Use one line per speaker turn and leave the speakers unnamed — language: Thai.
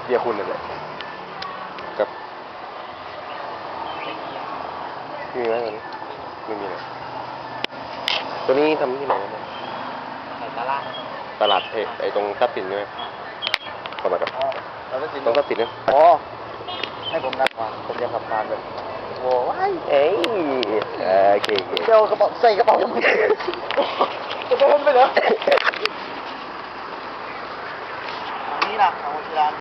เดียคุณนั่นแหละกับมีไหมตัวนี้ไม่มีเลยตัวนี้ทำที่ไหนกันเนี่ย
ไข่ตลาด
ตลาดเพไอตรงทับสินใช่ไหมเข้ามากับ
เราต้องกิน
ตรงทับสินนะ
อ๋อให้ผมนั่งก่อนผมจะขับผ่านแบบโว้ย
เอ้ยโอเค
เดี๋ยวกระเป๋าใส่กระเป๋ายังไม่จะเดินไปเหรอ